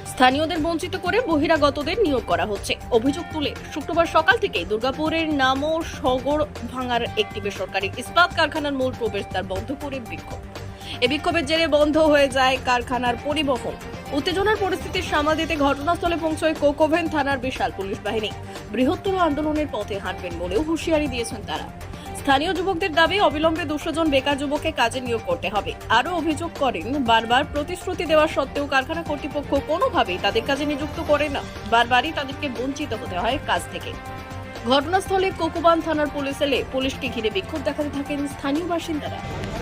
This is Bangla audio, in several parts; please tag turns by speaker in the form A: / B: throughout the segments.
A: স্থানীয়দের বঞ্চিত করে বহিরাগতদের নিয়োগ করা হচ্ছে অভিযোগ তুলে শুক্রবার সকাল থেকে দুর্গাপুরের নামো সগর ভাঙার একটি বেসরকারি ইস্পাত কারখানার মূল প্রবেশদ্বার বন্ধ করে বিক্ষোভ। এই বিক্ষোভের জেরে বন্ধ হয়ে যায় কারখানার পরিবহন। উত্তেজনার পরিস্থিতি সামাল দিতে ঘটনাস্থলে পৌঁছয় কোকোভেন থানার বিশাল পুলিশ বাহিনী। বৃহত্তর আন্দোলনের পথে হাঁটবেন বলেও হুঁশিয়ারি দিয়েছেন তারা। স্থানীয় যুবকদের দাবি অবিলম্বে 200 জন বেকার যুবককে কাজে নিয়োগ করতে হবে। আরও অভিযোগ করেন বারবার প্রতিশ্রুতি দেওয়া সত্ত্বেও কারখানা কর্তৃপক্ষ কোনোভাবেই তাদের কাজে নিযুক্ত করে না, বারবারই তাদেরকে বঞ্চিত হতে হয় কাজ থেকে। ঘটনাস্থলে কোকোবান থানার পুলিশ এলে পুলিশকে ঘিরে বিক্ষোভ দেখাতে থাকেন স্থানীয় বাসিন্দারা।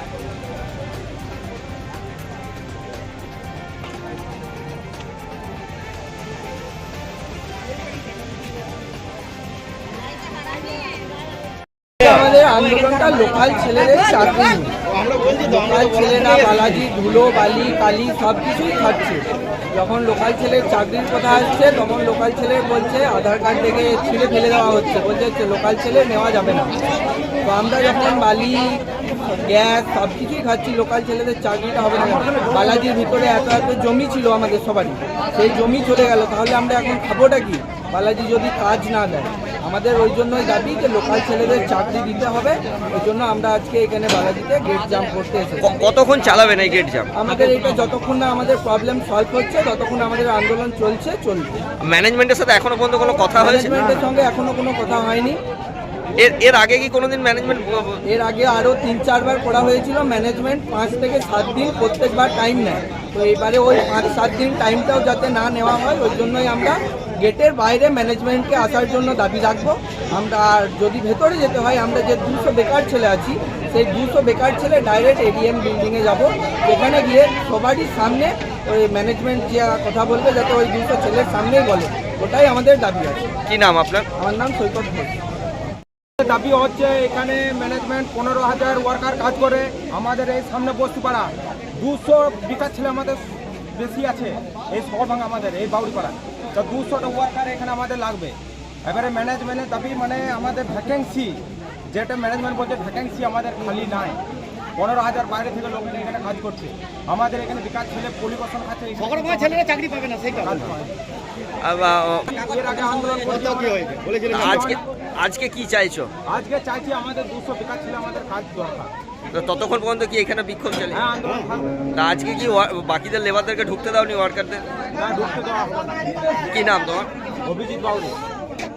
B: আমাদের আন্দোলনটা লোকাল ছেলেদের চাকরি নিয়ে। লোকাল ছেলেরা বালাজি ধুলো বালি কালি সব কিছুই খাচ্ছে। যখন লোকাল ছেলের চাকরির কথা আসছে তখন লোকাল ছেলে বলছে আধার কার্ড থেকে ছিঁড়ে ফেলে দেওয়া হচ্ছে, বলছে লোকাল ছেলে নেওয়া যাবে না। তো আমরা যখন বালি গ্যাস সব কিছুই খাচ্ছি, লোকাল ছেলেদের চাকরিটা হবে না। বালাজির ভিতরে এত এত জমি ছিল আমাদের সবারই, সেই জমি চলে গেল, তাহলে আমরা এখন খাবোটা কি? বালাজি যদি কাজ না দেয়, আমাদের ওই জন্যই দাবি যে লোকাল ছেলেদের চাকরি দিতে হবে। ওই জন্য আমরা আজকে এখানে বালাজিতে গেট জাম করতে এসেছি।
C: কতক্ষণ চালাবেন এই গেট জাম?
B: আমাদের এটা যতক্ষণ না আমাদের প্রবলেম সলভ হচ্ছে ততক্ষণ আমাদের আন্দোলন চলবে।
C: ম্যানেজমেন্টের সাথে এখনো পর্যন্ত কোনো কথা হয়েছে?
B: ম্যানেজমেন্টের সঙ্গে এখনো কোনো কথা হয়নি।
C: এর আগে কি কোনোদিন ম্যানেজমেন্ট?
B: এর আগে আরও 3-4 বার করা হয়েছিল। ম্যানেজমেন্ট 5 থেকে 7 দিন প্রত্যেকবার টাইম নেয়। তো এবারে ওই 5-7 দিন টাইমটাও যাতে না নেওয়া হয়, ওই জন্যই আমরা গেটের বাইরে ম্যানেজমেন্টকে আসার জন্য দাবি রাখবো। আমরা আর যদি ভেতরে যেতে হয়, আমরা যে 200 বেকার ছেলে আছি, সেই 200 বেকার ছেলে ডাইরেক্ট এডিএম বিল্ডিংয়ে যাব। সেখানে গিয়ে সবারই সামনে ওই ম্যানেজমেন্ট যে কথা বলবে যাতে ওই 200 ছেলের সামনেই বলে, ওটাই আমাদের দাবি আছে।
C: কি নাম আপনার?
B: আমার নাম সৈকত ঘোষ।
D: দাবি হচ্ছে এখানে ম্যানেজমেন্ট 15,000 ওয়ার্কার কাজ করে আমাদের এই সামনে বস্তিপাড়া। 200 বেকার ছেলে আমাদের বেশি আছে এই শহরভাঙা আমাদের এই বাউরিপাড়া। তো 200টা ওয়ার্কার এখানে আমাদের লাগবে। এবারে ম্যানেজমেন্টের দাবি মানে আমাদের ভ্যাকেন্সি, যেটা ম্যানেজমেন্ট বলছে ভ্যাকেন্সি আমাদের খালি নাই। 15,000 বাইরে থেকে লোক এখানে কাজ করছে। আমাদের এখানে বেকার ছেলে পরিবর্তন আছে,
E: ছেলেরা চাকরি পাবে না, সেই কারণে
D: এর আগে আন্দোলন করতে
C: আজকে কি চাইছো?
D: আজকে চাইছি আমাদের 200 বেকার ছেলে আমাদের কাজ দরকার।
C: তো ততক্ষণ পর্যন্ত কি এখানে বিক্ষোভ চলে?
D: হ্যাঁ, আন্দোলন থাকবে।
C: তা আজকে কি বাকিদের লেবারদেরকে ঢুকতে দাওনি, ওয়ার্কারদের?
D: না, ঢুকতে দেওয়া হবে না।
C: কি নাম তোমার?
D: অভিজিৎ বাউরি।